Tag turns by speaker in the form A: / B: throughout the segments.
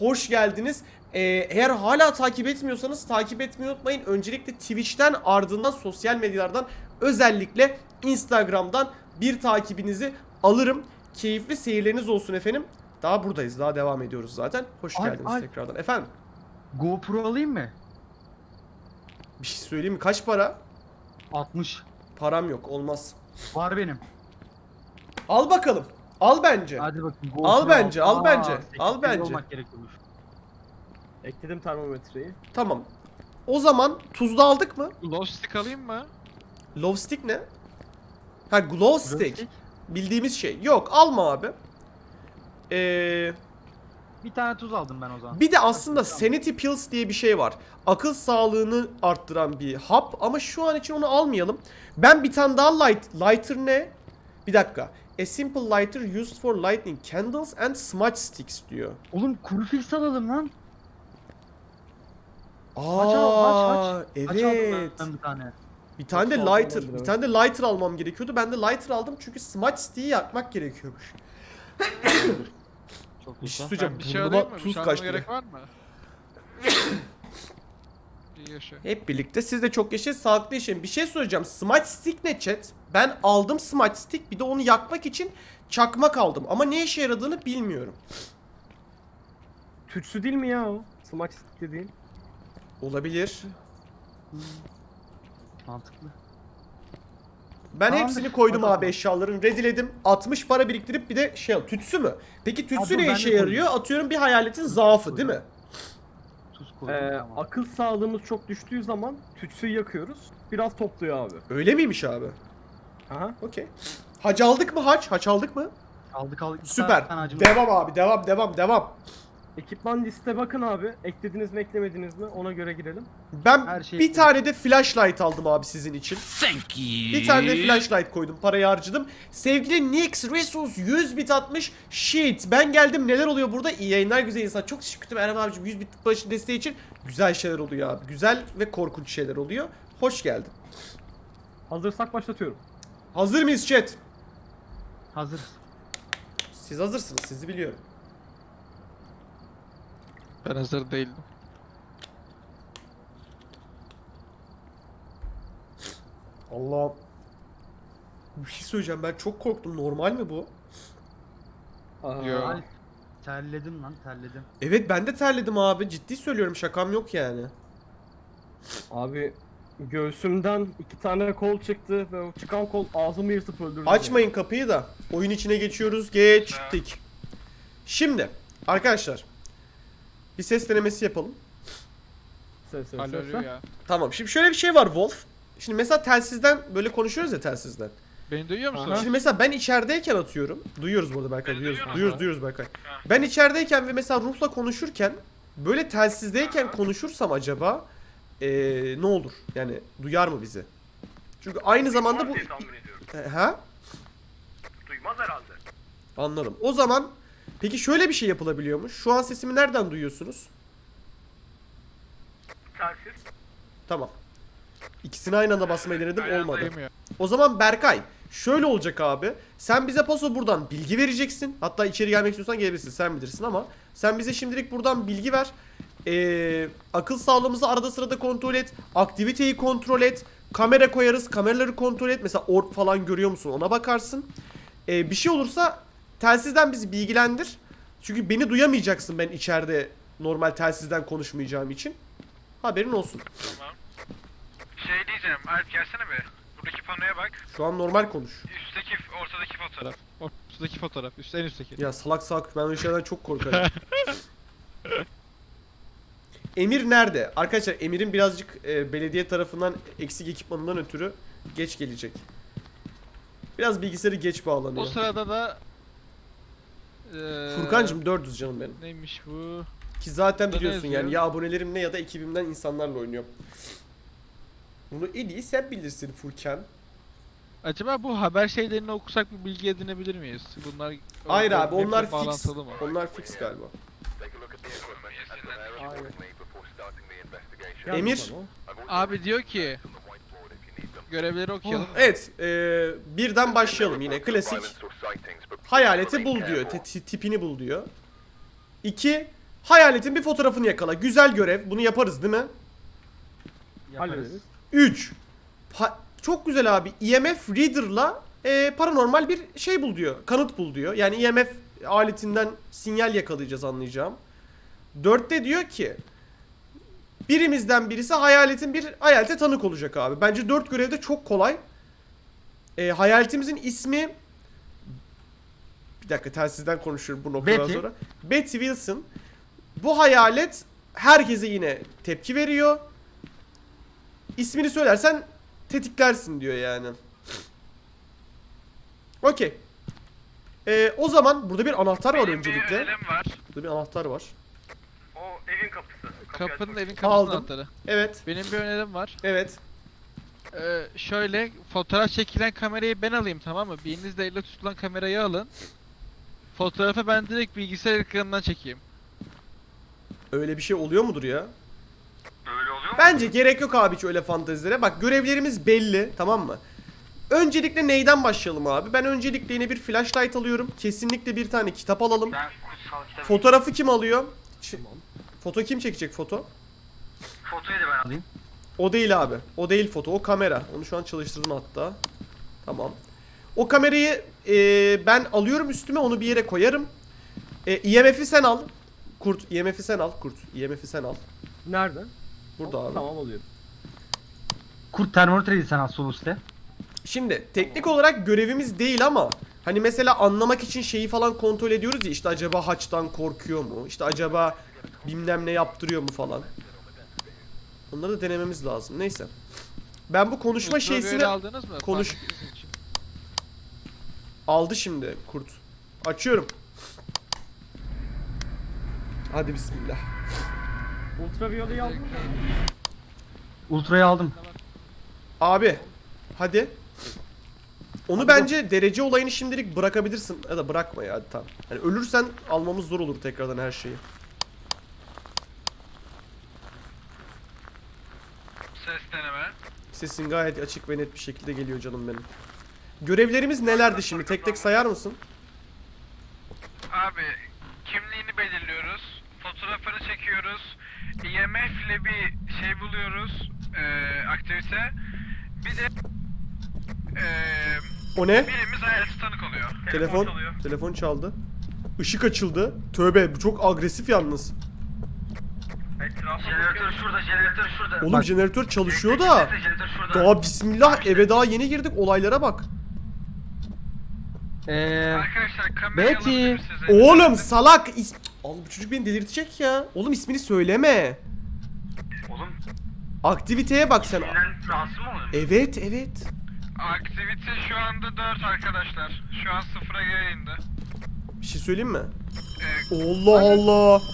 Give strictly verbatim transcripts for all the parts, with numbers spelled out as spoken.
A: hoş geldiniz. Ee, eğer hala takip etmiyorsanız takip etmeyi unutmayın. Öncelikle Twitch'ten, ardından sosyal medyalardan, özellikle Instagram'dan bir takibinizi alırım. Keyifli seyirleriniz olsun efendim. Daha buradayız, daha devam ediyoruz zaten. Hoş
B: Ay,
A: geldiniz
B: ay.
A: tekrardan. Efendim,
B: GoPro alayım mı?
A: bir şey söyleyeyim mi? Kaç para?
B: altmış.
A: Param yok, olmaz.
B: Var benim.
A: Al bakalım. Al bence.
B: Hadi bakayım. GoPro
A: Al bence, al
B: Aa,
A: bence,
B: sekiz
A: al
B: kilo
A: bence.
B: olmak gerekiyormuş.
C: Ekledim termometreyi.
A: Tamam. O zaman tuzlu aldık mı?
D: Glow stick alayım mı?
A: Love stick ne? Ha, glow stick.
B: Stick.
A: Bildiğimiz şey. Yok, alma abi. Ee,
B: Bir tane tuz aldım ben o zaman.
A: bir de aslında sanity pills diye bir şey var. Akıl sağlığını arttıran bir hap ama şu an için onu almayalım. Ben bir tane daha light, lighter ne? Bir dakika. A simple lighter used for lighting candles and smudge sticks diyor.
B: Oğlum kuru fils alalım lan.
A: Aa,
B: Aç al, aç,
A: evet.
B: Aç aldım ben bir tane.
A: Bir tane de
C: Çok sağlam
A: lighter,
C: olabilir,
A: bir
C: evet.
A: tane de lighter almam gerekiyordu. Ben de lighter aldım çünkü smudge stick'i yakmak gerekiyormuş.
B: Çok
A: Bir şey
B: güzel.
A: söyleyeceğim.
D: Ben bir şey
A: Burnuma
D: alayım mı? Bir
A: tuz
D: şey almama
A: kaçtı.
D: gerek var mı? İyi yaşa.
A: Hep birlikte siz de çok yaşayın, sağlıklı yaşayın. Bir şey söyleyeceğim. Smudge stick ne chat? Ben aldım smudge stick, bir de onu yakmak için çakmak aldım. Ama ne işe yaradığını bilmiyorum.
C: Tütsü değil mi ya o? Smudge stick dediğin.
A: Olabilir.
B: Mantıklı.
A: Ben
B: Tamamdır.
A: hepsini koydum
B: Hadi
A: abi
B: bakalım.
A: eşyaların. Rediledim. altmış para biriktirip bir de şey al. Tütsü mü? Peki tütsü
B: Ha, dur,
A: ne
B: ben
A: işe
B: de
A: yarıyor? Atıyorum bir hayaletin zaafı değil mi?
B: Tuz koydum
C: Ee,
B: tamam.
C: akıl sağlığımız çok düştüğü zaman tütsüyü yakıyoruz. Biraz topluyor abi.
A: Öyle miymiş abi?
C: Aha.
A: Okey. Haç aldık mı haç? Haç aldık mı?
B: Aldık aldık. Bir
A: Süper.
B: tane acımız-
A: Devam abi. Devam devam devam.
C: Ekipman liste bakın abi. Eklediniz mi eklemediniz mi ona göre girelim.
A: Ben
B: Her şey-
A: bir tane de flashlight aldım abi sizin için.
E: Thank you.
A: Bir tane de flashlight koydum. Parayı harcadım. Sevgili Nix Resus yüz bit atmış. Shit. Ben geldim. Neler oluyor burada? İyi yayınlar, güzel insan. Çok teşekkür ederim Eren abicim. yüz bit başı desteği için. Güzel şeyler oluyor abi. Güzel ve korkunç şeyler oluyor. Hoş geldin.
C: Hazırsak başlatıyorum.
A: Hazır mıyız chat?
B: Hazırız.
A: Siz hazırsınız. Sizi biliyorum.
D: Ben hazır değildim.
A: Allah. Bir şey söyleyeceğim. Ben çok korktum. Normal mi bu?
C: Aa,
D: Yo.
B: Ay, terledim lan terledim.
A: Evet, ben de terledim abi. Ciddi söylüyorum. Şakam yok yani.
C: Abi göğsümden iki tane kol çıktı ve o çıkan kol ağzımı yırtıp öldürdü.
A: Açmayın kapıyı da. Oyun içine geçiyoruz. Geçtik. Şimdi arkadaşlar bir ses denemesi yapalım.
C: Ses ses
D: Halloluyor
C: ses.
D: ya.
A: Tamam. Şimdi şöyle bir şey var Wolf. Şimdi mesela telsizden böyle konuşuyoruz ya telsizden.
D: Beni duyuyor musun?
C: Aha.
A: Şimdi mesela ben içerideyken atıyorum. Duyuyoruz burada Berkay.
D: Beni
A: Duyuyoruz.
D: duyuyor
A: Duyuyoruz,
D: musun?
A: duyuyoruz Berkay. Ben içerideyken ve mesela Ruh'la konuşurken böyle telsizdeyken konuşursam acaba eee, ne olur? Yani duyar mı bizi? Çünkü aynı zamanda bu... E, Ha?
F: Duymaz herhalde.
A: Anladım. O zaman peki şöyle bir şey yapılabiliyormuş. Şu an sesimi nereden duyuyorsunuz?
F: Telsiz.
A: Tamam. İkisini aynı anda basmayı denedim,
D: Aynen
A: olmadı.
D: duymuyor.
A: O zaman Berkay şöyle olacak abi. Sen bize paso buradan bilgi vereceksin. Hatta içeri gelmek istiyorsan gelebilirsin, sen bilirsin ama sen bize şimdilik buradan bilgi ver. Ee, akıl sağlığımızı arada sırada kontrol et. Aktiviteyi kontrol et. Kamera koyarız. Kameraları kontrol et. Mesela orb falan görüyor musun, ona bakarsın. Ee, bir şey olursa telsizden bizi bilgilendir. Çünkü beni duyamayacaksın ben içeride normal telsizden konuşmayacağım için. Haberin olsun.
F: Tamam. Şey diyeceğim, Alp gelsene be. Buradaki panoya bak.
A: Şu an normal konuş.
F: Üstteki, ortadaki fotoğraf.
D: Fotoğraf. Ortadaki fotoğraf. Üst, en üstteki.
A: Ya salak salak, ben öyle şeylerden çok korkarım. Emir nerede? Arkadaşlar Emir'in birazcık e, belediye tarafından eksik ekipmanından ötürü geç gelecek. Biraz bilgisayarı geç bağlanıyor.
D: O sırada da eee
A: Furkancığım dört yüz canım benim.
D: neymiş bu?
A: Ki zaten
D: Burada ne
A: biliyorsun yani
D: yazıyor?
A: ya abonelerimle ya da ekibimden insanlarla oynuyorum. Bunu en iyi sen bilirsin Furkan.
D: Acaba bu haber şeylerini okusak bir bilgi edinebilir miyiz? Bunlar
A: Hayır
D: o-
A: abi, onlar
D: hepsi
A: fix.
D: bağlantılı mı?
A: Onlar fix galiba.
C: Aynen.
F: Gel
A: Emir.
C: bakalım.
D: Abi diyor ki görevleri okuyalım.
A: Evet, e, birden başlayalım yine klasik. Hayaleti bul diyor, te- ti- tipini bul diyor. İki, Hayaletin bir fotoğrafını yakala. Güzel görev. Bunu yaparız değil mi?
B: Yaparız.
C: Hallederiz.
A: üç. Çok güzel abi. E M F Reader'la e, paranormal bir şey bul diyor. Kanıt bul diyor. Yani E M F aletinden sinyal yakalayacağız anlayacağım. dörtte diyor ki birimizden birisi hayaletin bir hayalete tanık olacak abi. Bence dört görevde çok kolay. E, hayaletimizin ismi bir dakika telsizden konuşuyorum bu noktadan
B: Betty.
A: sonra. Betty Wilson. Bu hayalet herkese yine tepki veriyor. İsmini söylersen tetiklersin diyor yani. Okey. Ee, o zaman burada bir anahtar var
F: Benim
A: öncelikle.
F: bir önerim var.
A: Burada bir anahtar var.
F: O evin kapısı. Kapıyı
D: Kapının
F: açmak.
D: evin kapısının
A: Aldım.
D: anahtarı.
A: Evet.
D: Benim bir önerim var.
A: Evet.
D: Ee, şöyle fotoğraf çekilen kamerayı ben alayım, tamam mı? Birinizde elle tutulan kamerayı alın. Fotoğrafı ben direkt bilgisayar ekranından çekeyim.
A: Öyle bir şey oluyor mudur ya?
F: Öyle oluyor mu?
A: Bence gerek yok abi hiç öyle fantezilere. Bak görevlerimiz belli, tamam mı? Öncelikle neyden başlayalım abi? Ben öncelikle yine bir flashlight alıyorum. Kesinlikle bir tane kitap alalım.
F: Ben kutsal kitabı.
A: Fotoğrafı kim alıyor? Ç- Foto kim çekecek foto?
F: Fotoyu da ben alayım.
A: O değil abi. O değil foto. O kamera. Onu şu an çalıştırdım hatta. Tamam. O kamerayı e, ben alıyorum üstüme. Onu bir yere koyarım. E, E M F'i sen al. Kurt. E M F'i sen al. Kurt. E M F'i sen al.
C: Nerede?
A: Burada abi.
C: Tamam alıyorum.
B: Kurt termometreyi sen al sol üstte.
A: Şimdi teknik olarak görevimiz değil ama hani mesela anlamak için şeyi falan kontrol ediyoruz ya, işte acaba haçtan korkuyor mu? İşte acaba bilmem ne yaptırıyor mu falan. Onları da denememiz lazım. Neyse. Ben bu konuşma
D: Ultraviyole
A: şeysini
D: aldınız mı?
A: konuş-
D: Fark ettiğiniz için.
A: aldı şimdi kurt. Açıyorum. Hadi bismillah.
C: Ultraviyoleyi aldın mı?
B: Ultra'yı aldım.
A: Abi hadi. Onu
C: Hadi
A: bence derece olayını şimdilik bırakabilirsin. Ya da bırakma ya, hadi tamam. Yani ölürsen almamız zor olur tekrardan her şeyi.
F: Ses deneme.
A: Sesin gayet açık ve net bir şekilde geliyor canım benim. Görevlerimiz nelerdi şimdi? Tek tek sayar mısın?
F: Abi kimliğini belirliyoruz. Fotoğrafını çekiyoruz. E M F ile bir şey buluyoruz. Eee aktivite. Bir de eee
A: O ne?
F: birimiz hayaleti tanık oluyor.
A: Telefon.
F: çalıyor.
A: Telefon çaldı. Işık açıldı. Tövbe, bu çok agresif yalnız.
F: Jeneratör şurada, jeneratör şurada.
A: Oğlum
B: Bak.
A: jeneratör çalışıyor da.
F: Jeneratör şurada.
A: Daha bismillah, eve daha yeni girdik, olaylara bak.
B: Eee
F: Arkadaşlar kamerayı
B: Betty.
F: alabilir misiniz?
A: Oğlum salak. is- Oğlum bu çocuk beni delirtecek ya. Oğlum ismini söyleme.
F: Oğlum
A: Aktiviteye bak sen.
F: senden rahatsız mı oldun?
A: Evet evet.
F: Aktivite şu anda dört arkadaşlar. Şu an sıfıra geri indi.
A: Bir şey söyleyeyim mi?
F: Ee,
A: Allah Allah.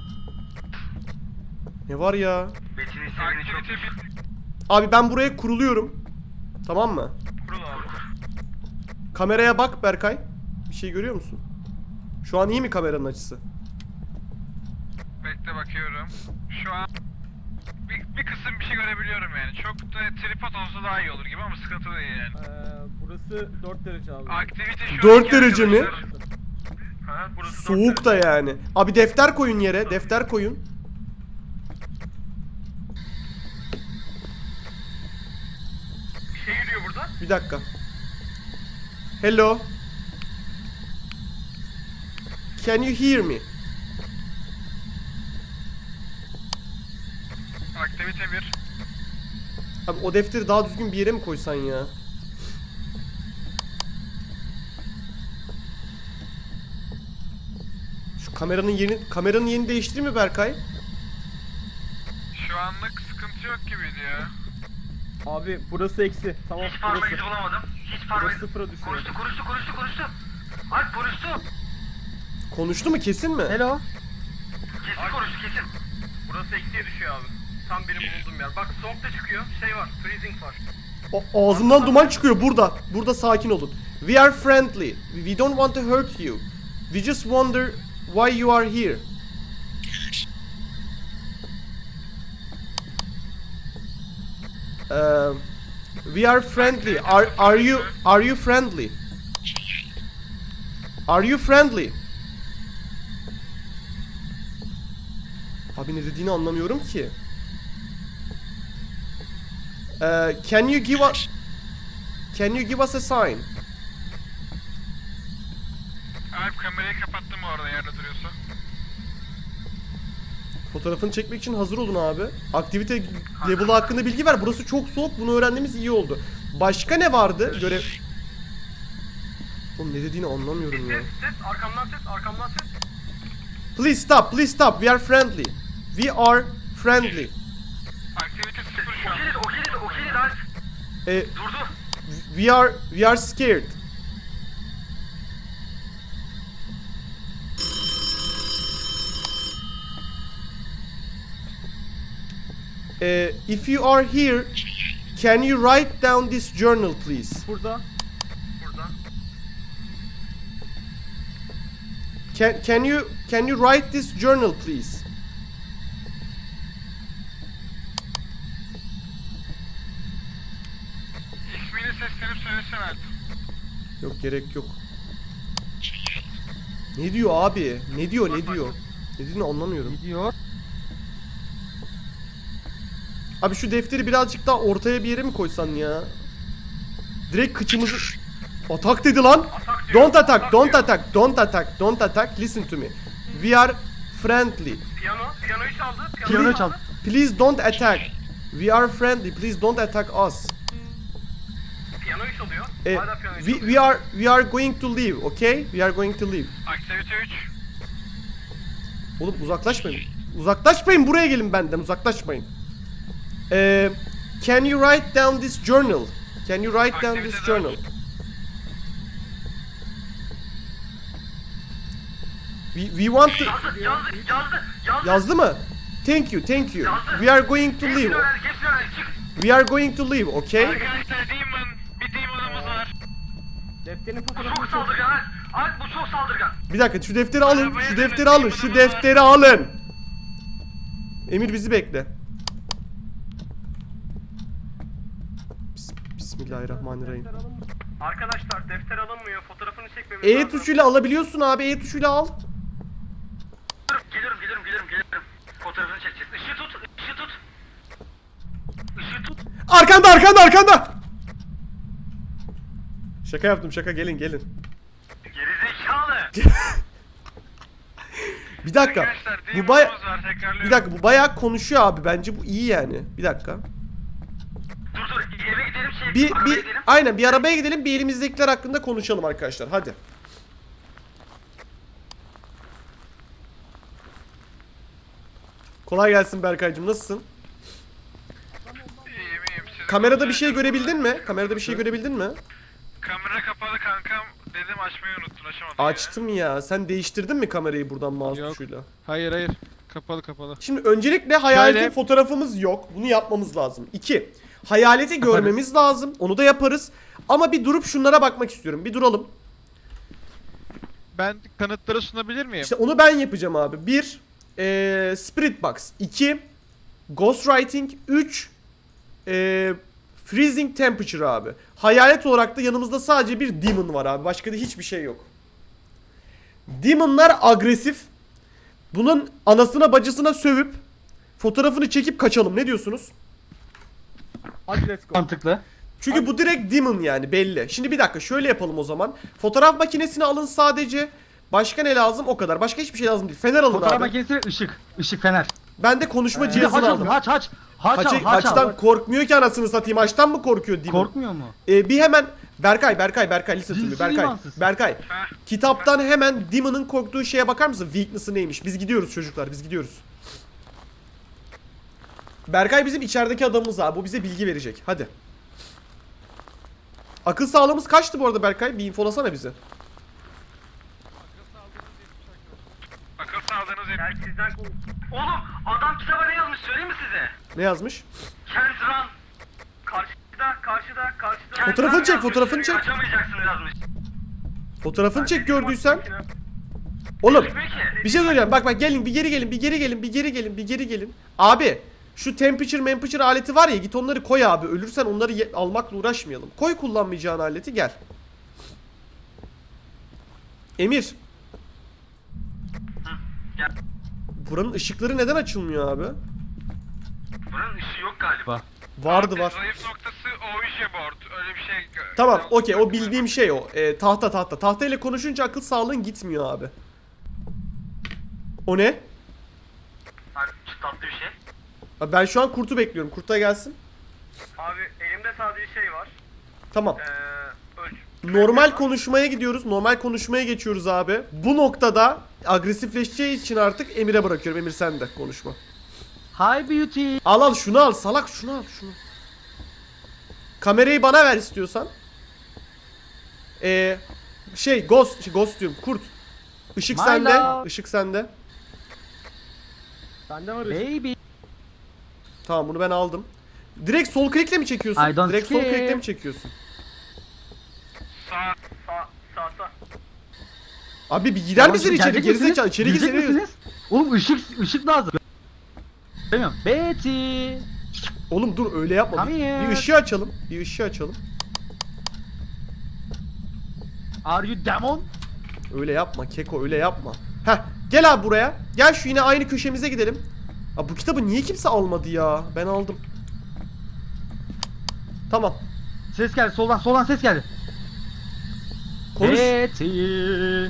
A: Ne var ya?
F: Betty'nin sevgini çok... Aktivite bir...
A: Abi ben buraya kuruluyorum. Tamam mı?
F: Kurul abi.
A: Kameraya bak Berkay. Bir şey görüyor musun? Şu an iyi mi kameranın açısı?
F: Bekle bakıyorum. Şu an... Bir, bir kısım bir şey görebiliyorum yani. Çok da tripod olsa daha iyi olur gibi ama sıkıntı değil yani.
C: Ee, burası dört derece abi.
F: Aktivite şu
A: Dört
F: anki
A: derece mi?
F: arkadaşlar- Ha, burası dört
A: Soğuk da yani. Abi defter koyun yere. Defter koyun.
F: Bir şey yürüyor burada.
A: Bir dakika. Hello. Can you hear me?
F: Aktivite bir.
A: Abi o defteri daha düzgün bir yere mi koysan ya? Şu kameranın yerini kameranın yerini değiştireyim mi Berkay?
F: Şu anlık sıkıntı yok gibiydi ya.
C: Abi burası eksi. Tamam
F: Hiç parmak
C: burası.
F: izi bulamadım. Hiç parmak
C: Burası
F: izi...
C: sıfıra düşüyor.
F: Konuştu, konuştu, konuştu, konuştu. Alp konuştu.
A: Konuştu mu, kesin mi?
B: hello.
F: Kesin konuştu, kesin. Burası eksiye düşüyor abi. Tam benim bulunduğum yer. Bak soğuk da çıkıyor. Şey var, freezing var.
A: O, ağzımdan duman çıkıyor burada. Burada sakin olun. We are friendly. We don't want to hurt you. We just wonder why you are here. Uh, we are friendly. Are are you are you friendly? Are you friendly? Abi ne dediğini anlamıyorum ki. Ee, can you give us Can you give us a sign?
F: Abi kamerayı kapattım orada yerde duruyorsa.
A: Fotoğrafını çekmek için hazır olun abi. Aktivite level'ı hakkında bilgi ver. Burası çok soğuk. Bunu öğrendiğimiz iyi oldu. Başka ne vardı? Görev... Oğlum ne dediğini anlamıyorum ya.
C: Ses, ses, arkamdan ses, arkamdan ses.
A: Please stop, please stop. We are friendly. We are friendly.
F: Aktivite sıfır şu an.
C: Okeydi, okeydi, okeydi lan.
A: Ee,
C: Durdu.
A: we are we are scared. Ee, if you are here, can you write down this journal, please?
C: Burada. Burada.
A: Can can you can you write this journal, please?
F: İsmini seslenip söylesene Alp.
A: Yok gerek yok. Ne diyor abi? Ne diyor? Ne diyor? Ne dediğini anlamıyorum.
B: Gidiyor.
A: Abi şu defteri birazcık daha ortaya bir yere mi koysan ya? Direkt kıçımızı... Atak dedi lan. Don't attack, don't attack, don't attack, don't attack. Listen to me. We are friendly.
C: Piyano, piyanoyu çaldı.
B: Piyano çal.
A: Please don't attack. We are friendly. Please don't attack us.
C: Piyanoyu çalıyor.
A: Eh,
C: Hala piyanoyu
A: we, we are we are going to leave, okay? We are going to leave.
F: Aktivite üç.
A: Oğlum uzaklaşmayın. Uzaklaşmayın, buraya gelin benden. Uzaklaşmayın. Ee, can you write down this journal? Can you write down this journal? We, we want to...
C: Yazdı, yazdı, yazdı, yazdı.
A: Yazdı mı? Thank you, thank you. We are going to leave.
C: Hepsini öğrendik, hepsini öğrendik. Çık.
A: We are going to leave, okay?
F: Arkadaşlar Demon, bir Demon'ımız var.
C: Defterin fotoğrafını çok saldırgan. Alp, Alp bu çok saldırgan.
A: Bir dakika, şu defteri alın, şu defteri alın, şu defteri alın. Emir bizi bekle. Bis- Bismillahirrahmanirrahim.
C: Arkadaşlar defter alınmıyor. Fotoğrafını çekmemiz
A: E
C: lazım.
A: tuşuyla alabiliyorsun abi, E tuşuyla al.
C: Gelirim, gelirim, gelirim, gelirim. Fotoğrafını çekeceğiz. Işığı tut, ışığı tut. Işığı tut.
A: Arkanda, arkanda, arkanda. Şaka yaptım, şaka, gelin, gelin.
C: Gerizekalı.
A: Bir dakika.
F: Arkadaşlar
A: Bu baya...
F: Demon'ımız var, tekrarlıyorum.
A: Bir dakika, bu bayağı konuşuyor abi. Bence bu iyi yani. Bir dakika.
C: Dur dur, eve gidelim şey.
A: Bir,
C: arabaya
A: bir,
C: gidelim.
A: aynen bir arabaya gidelim, bir elimizdekiler hakkında konuşalım arkadaşlar. Hadi. Kolay gelsin Berkaycığım, nasılsın?
F: İyiyim iyiyim. Sizi
A: Kamerada bir
F: kontrol
A: şey
F: ediyorum.
A: görebildin mi? Kamerada bir şey görebildin mi?
F: Kamera kapalı kankam. Dedim açmayı unuttun, açamadım. ya.
A: Açtım ya. Sen değiştirdin mi kamerayı buradan mouse
D: Yok.
A: tuşuyla?
D: Hayır hayır. Kapalı kapalı.
A: Şimdi öncelikle hayaleti
D: Şöyle.
A: fotoğrafımız yok. Bunu yapmamız lazım. İki. Hayaleti görmemiz lazım. Onu da yaparız. Ama bir durup şunlara bakmak istiyorum. Bir duralım.
D: Ben kanıtları sunabilir miyim?
A: İşte onu ben yapacağım abi. Bir, eee Spirit Box. İki, Ghostwriting. Üç, eee Freezing Temperature abi. Hayalet olarak da yanımızda sadece bir Demon var abi. Başka da hiçbir şey yok. Demon'lar agresif. Bunun anasına bacısına sövüp fotoğrafını çekip kaçalım. Ne diyorsunuz?
C: Hadi let's go.
B: Mantıklı.
A: Çünkü bu direkt Demon yani belli. Şimdi bir dakika şöyle yapalım o zaman. Fotoğraf makinesini alın sadece. Başka ne lazım? O kadar. Başka hiçbir şey lazım değil. Fener alın
B: Fotoğraf
A: abi.
B: makinesi ışık. Işık fener.
A: Ben de konuşma
B: Bir de haç
A: cihazını
B: al,
A: aldım.
B: haç haç. Haç al,
A: Haçı,
B: haç al.
A: haçtan korkmuyor ki anasını satayım. Haçtan mı korkuyor Demon?
B: Korkmuyor mu?
A: Ee, bir hemen Berkay, Berkay, Berkay listen to me.
B: Cinsi
A: Berkay,
B: imansız.
A: Berkay. Kitaptan hemen Demon'ın korktuğu şeye bakar mısın? Weakness'ı neymiş? Biz gidiyoruz çocuklar, biz gidiyoruz. Berkay bizim içerideki adamımız abi. Bu bize bilgi verecek. Hadi. Akıl sağlığımız kaçtı bu arada Berkay? Bir infolasana bize.
F: Akıl sağlığınız hep.
C: Gel sizden konuş. Oğlum adam kitaba ne yazmış söyleyeyim mi size?
A: Ne yazmış?
C: Can't run. Karşıda, karşıda, karşıda. Can't
A: Fotoğrafını
C: run
A: çek,
C: yazmış.
A: fotoğrafını çek.
C: Kaçamayacaksınız yazmış.
A: Fotoğrafını çek gördüysen. Oğlum
C: Peki.
A: bir şey söyleyeceğim. Bak bak gelin bir geri gelin, bir geri gelin, bir geri gelin, bir geri gelin. Abi şu temperature temperature aleti var ya, git onları koy abi. Ölürsen onları ye- almakla uğraşmayalım. Koy kullanmayacağın aleti, gel. Emir.
C: Gel.
A: Buranın ışıkları neden açılmıyor abi?
C: Buranın ışığı yok galiba.
A: Vardı
F: Abi,
A: var.
F: Zayıf noktası Ouija board. Öyle bir şey.
A: Tamam okey o bildiğim şey o. Ee, tahta tahta. Tahta ile konuşunca akıl sağlığın gitmiyor abi. O ne?
C: Abi tatlı bir şey.
A: Abi ben şu an kurtu bekliyorum. Kurta gelsin.
C: Abi elimde sadece şey var.
A: Tamam.
C: Ee, ölç.
A: Normal konuşmaya gidiyoruz. Normal konuşmaya geçiyoruz abi. Bu noktada agresifleşeceği için artık Emir'e bırakıyorum. Emir sen de konuşma.
B: Hi beauty.
A: Al al şunu al salak şunu al şunu. Kamerayı bana ver istiyorsan. Ee, şey ghost şey, ghost diyorum kurt. Işık
B: My
A: sende.
B: love.
A: Işık sende.
E: Bende var.
B: Baby.
A: Tamam bunu ben aldım. Direkt sol klikle mi çekiyorsun?
B: I don't
A: Direkt sol
B: care.
A: klikle mi çekiyorsun?
F: Sağ.
C: Sağ sağ sağ.
A: Abi bir gider
B: Tamam,
A: misin
B: şimdi
A: içeri?
B: gelecek
A: Gerizekalı
B: misiniz?
A: içeri
B: Gelecek
A: girsene.
B: misiniz? Oğlum ışık ışık lazım. Bilmiyorum. Betty.
A: Oğlum dur öyle yapma.
B: Come
A: Bir,
B: here.
A: bir ışığı açalım. Bir ışığı açalım.
B: Are you demon?
A: Öyle yapma Keko öyle yapma. Heh gel abi buraya. Gel şu yine aynı köşemize gidelim. Abi bu kitabı niye kimse almadı ya? Ben aldım. Tamam.
B: Ses geldi soldan soldan ses geldi.
A: Konuş.
B: Betty.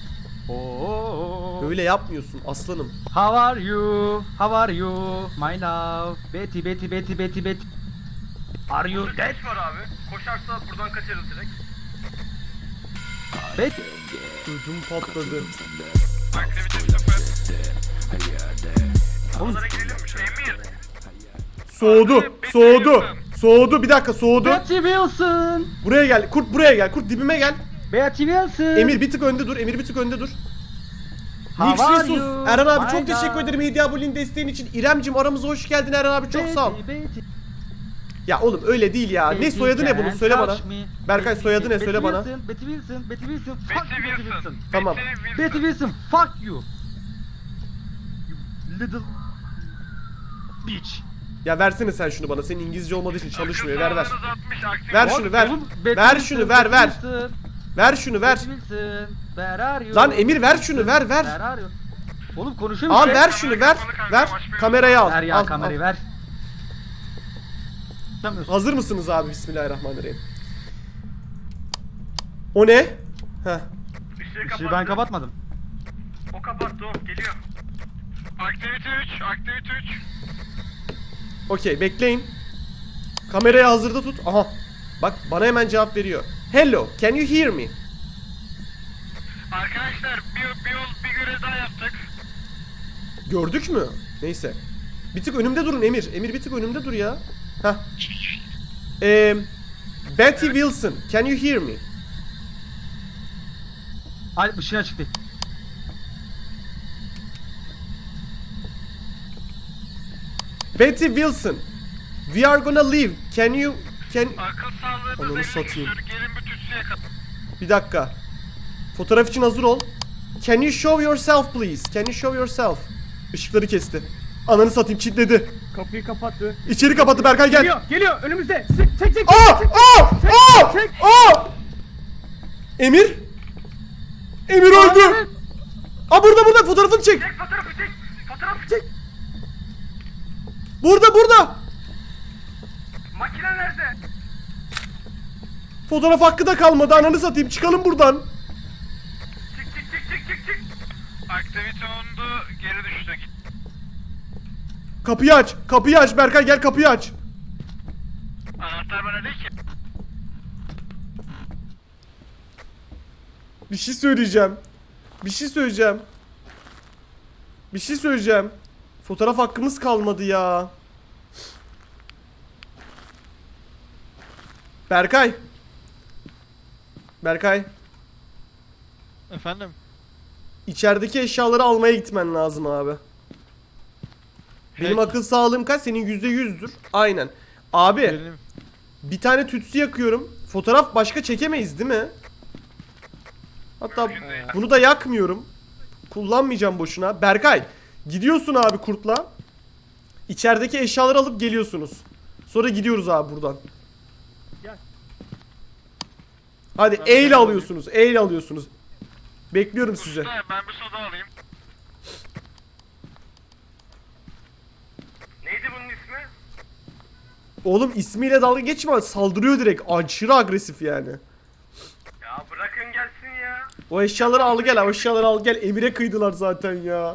B: Oh.
A: Öyle yapmıyorsun aslanım.
B: How are you? How are you? My love. Betty Betty Betty Betty Betty. Are you
C: Burada
B: dead?
C: ses var abi. Koşarsa buradan kaçarız direkt.
B: Betty.
A: Ödüm patladı.
F: Aktivite sıfır.
C: Onlara girelim mi? Emir.
A: Soğudu. Soğudu. Soğudu. Bir dakika soğudu.
B: Betty Wilson.
A: Buraya gel. Kurt buraya gel. Kurt dibime gel.
B: Betty Wilson.
A: Emir bir tık önde dur. Emir bir tık önde dur.
B: How
A: Nix
B: are
A: Resus.
B: you?
A: Eren abi
B: My
A: çok teşekkür
B: love.
A: ederim Hediye aboneliğin desteğin için. İremcim aramıza hoş geldin Eren abi çok sağ ol.
B: Betty, Betty.
A: Ya oğlum öyle değil ya. Ne
B: Betty
A: soyadı ne bunun
B: can't
A: söyle bana.
B: touch me.
A: Berkay,
B: Betty,
A: soyadı ne?
B: Betty
A: Söyle bana.
B: Wilson, Betty Wilson, Betty Wilson, fuck
F: Betty
B: you, Betty
F: Wilson.
B: Wilson.
A: Tamam.
F: Betty Wilson.
B: Betty Wilson, fuck you. You little bitch.
A: Ya versene sen şunu bana. Senin İngilizce olmadığı için çalışmıyor. Ver ver.
F: Akıl sağlığınız altmış, aktif.
A: Ver şunu ver.
B: Oğlum, Betty
A: Ver
B: Wilson,
A: şunu ver
B: Betty
A: ver.
B: Wilson,
A: Ver şunu ver.
B: Betty Wilson, where are you?
A: Lan Emir ver şunu ver
B: Where
A: ver.
B: are you? Oğlum konuşuyor
A: Al
B: musun?
A: ver şunu ver. Ver. Kamerayı al.
B: Ver ya
A: Al,
B: kamerayı
A: al.
B: ver. Tutamıyorsun.
A: Hazır mısınız abi? Bismillahirrahmanirrahim. O ne? Heh.
C: Işığı
B: Işığı
C: kapattı.
B: ben kapatmadım.
C: O kapattı o. Geliyor.
F: Aktivite üç, aktivite üç.
A: Okey bekleyin. Kamerayı hazırda tut. Aha. Bak bana hemen cevap veriyor. Hello, can you hear me?
F: Arkadaşlar bir, bir yol bir görev daha yaptık.
A: Gördük mü? Neyse. Bir tık önümde durun Emir. Emir bir tık önümde dur ya. Heh. Ee, Betty Wilson, can you hear me?
B: Ay ışığı açık değil.
A: Betty Wilson, we are gonna leave. Can you can
F: Akıl sağlığınız
A: Ananı
F: elli
A: satayım.
F: küsür. Gelin bir tütsüye kadar.
A: Bir dakika. Fotoğraf için hazır ol. Can you show yourself please? Can you show yourself? Işıkları kesti. Ananı satayım kilitledi.
E: Kapıyı kapattı.
A: İçeri kapattı Berkay gel.
E: Geliyor, geliyor önümüzde. Sık, çek, çek.
A: Aa! Aa! Aa!
E: çek.
A: Aa! Emir? Emir öldü. Aa burada burada fotoğrafını çek.
C: Çek fotoğrafı çek. Fotoğrafı çek.
A: Burada burada.
C: Makine nerede?
A: Fotoğraf hakkı da kalmadı ananı satayım çıkalım buradan.
C: Çık çık çık çık çık çık.
F: Aktivite ondu, geri düştük.
A: Kapıyı aç. Kapıyı aç Berkay gel kapıyı aç.
F: Anahtar bana değil ki.
A: Bir şey söyleyeceğim. Bir şey söyleyeceğim. Bir şey söyleyeceğim. Fotoğraf hakkımız kalmadı ya. Berkay. Berkay.
D: Efendim?
A: İçerideki eşyaları almaya gitmen lazım abi. Benim
D: Peki.
A: akıl sağlığım kaç? Senin yüzde yüzdür. Aynen. Abi
D: Benim.
A: bir tane tütsü yakıyorum. Fotoğraf başka çekemeyiz değil mi? Hatta bunu da yakmıyorum. Kullanmayacağım boşuna. Berkay gidiyorsun abi kurtla. İçerideki eşyaları alıp geliyorsunuz. Sonra gidiyoruz abi buradan.
E: Gel.
A: Hadi
D: Ben
A: E ile
D: ben
A: alıyorsunuz. E ile alıyorsunuz. Bekliyorum sizi.
F: Usta ben bir soda alayım.
A: Oğlum ismiyle dalga geçme, saldırıyor direkt. Aşırı agresif yani.
C: Ya bırakın gelsin ya.
A: O eşyaları al gel, o eşyaları al gel. Emir'e kıydılar zaten ya.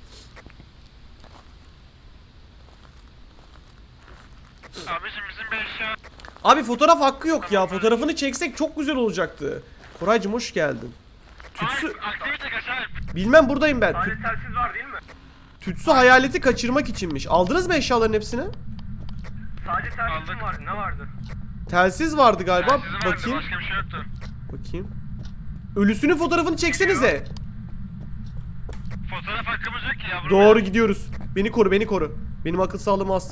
F: Abicim bizim bir eşya...
A: Abi fotoğraf hakkı yok ya. Fotoğrafını çeksek çok güzel olacaktı. Koraycığım hoş geldin. Tütsü...
F: Alp, aktivite kaç Alp?
A: Bilmem buradayım ben. Tü-
C: Sadece telsiz var değil mi?
A: Tütsü hayaleti kaçırmak içinmiş. Aldınız mı eşyaların hepsini?
C: Sadece telsiz
F: Aldık.
C: vardı. Ne vardı?
A: Telsiz vardı galiba.
F: Telsizi vardı,
A: Bakayım.
F: başka bir şey yoktu.
A: Bakayım. Ölüsünün fotoğrafını çeksenize.
F: Fotoğraf hakkımız yok ki yavrum.
A: Doğru gidiyoruz. Beni koru, beni koru. Benim akıl sağlığım az.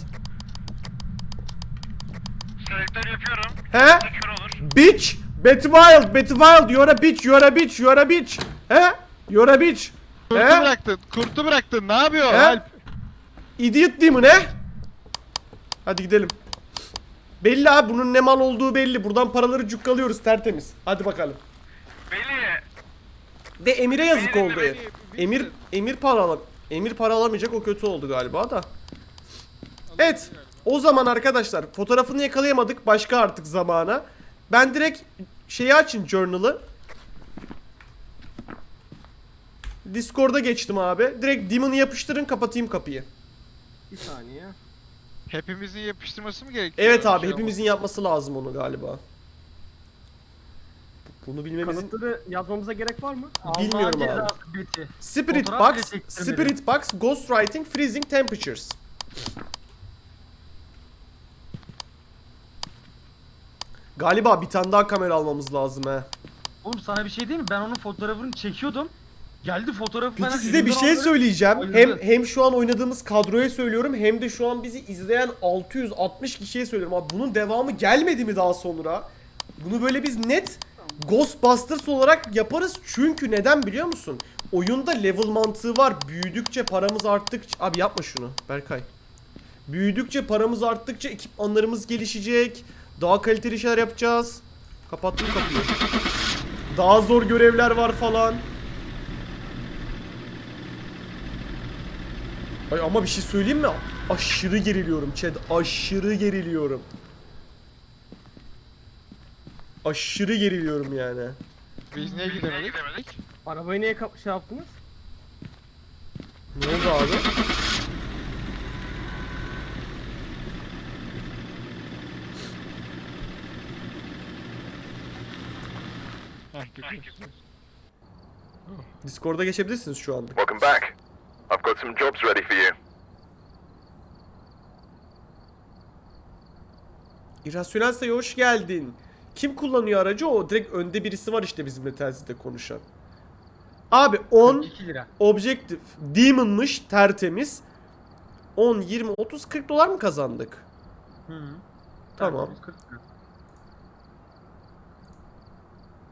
F: Selektör yapıyorum.
A: He?
F: Kör olur.
A: Bitch! Betwild, Betwild, you're a bitch, you're a bitch, you're a bitch. He? You're a bitch.
D: Kurtu
A: He?
D: bıraktın. Kurtu bıraktın. Ne yapıyor
A: He?
D: Alp?
A: Idiot değil mi ne? Hadi gidelim. Belli abi, bunun ne mal olduğu belli. Buradan paraları cukkalıyoruz tertemiz. Hadi bakalım.
F: Beni
A: De Emir'e yazık
F: Beni-
A: oldu.
D: beni-
A: Emir Emir para alam Emir para alamayacak, o kötü oldu galiba da. Evet. O zaman arkadaşlar fotoğrafını yakalayamadık, başka artık zamana. Ben direkt şeyi açın, journal'ı. Discord'a geçtim abi. Direkt Demon'ı yapıştırın, kapatayım kapıyı.
E: Bir saniye.
D: Hepimizin yapıştırması mı gerekiyor?
A: Evet abi,
D: Şey
A: hepimizin yapması lazım onu galiba. Bunu bilmemizin...
E: Kanıtları yazmamıza gerek var mı?
A: Bilmiyorum
B: Allah'ın
A: abi.
B: cezası Betty.
A: Spirit
B: Fotoğraf
A: Box,
B: bile çektirmedi.
A: Spirit Box, Ghostwriting, Freezing Temperatures. Galiba bir tane daha kamera almamız lazım he.
B: Oğlum sana bir şey diyeyim mi? Ben onun fotoğrafını çekiyordum. Geldi fotoğrafı
A: Peki
B: bana
A: size bir
B: elimden
A: şey
B: aldı.
A: söyleyeceğim.
B: Bayıldı.
A: Hem hem şu an oynadığımız kadroya söylüyorum, hem de şu an bizi izleyen altı yüz altmış kişiye söylüyorum. Abi bunun devamı gelmedi mi daha sonra? Bunu böyle biz net Ghostbusters olarak yaparız. Çünkü neden biliyor musun? Oyunda level mantığı var. Büyüdükçe paramız arttıkça... Abi yapma şunu Berkay. Büyüdükçe paramız arttıkça ekipmanlarımız gelişecek. Daha kaliteli şeyler yapacağız. Kapattım kapıyı. Daha zor görevler var falan. Ay ama bir şey söyleyeyim mi? Aşırı geriliyorum Chad. Aşırı geriliyorum. Aşırı geriliyorum yani.
D: Biz niye gidemedik?
E: Arabayı niye kap- şey yaptınız?
A: Ne oldu abi?
D: Heh, gidiyoruz.
A: Discord'a geçebilirsiniz şu anda.
G: Welcome back. I've got some jobs ready for you.
A: İrrasyonel sayı hoş geldin. Kim kullanıyor aracı? O direkt önde birisi var işte bizimle telsizde konuşan. Abi on
B: iki lira.
A: Objective Demon'mış, tertemiz. on, yirmi, otuz, kırk dolar mı kazandık?
B: Hı.
A: Tamam.
B: kırk lira.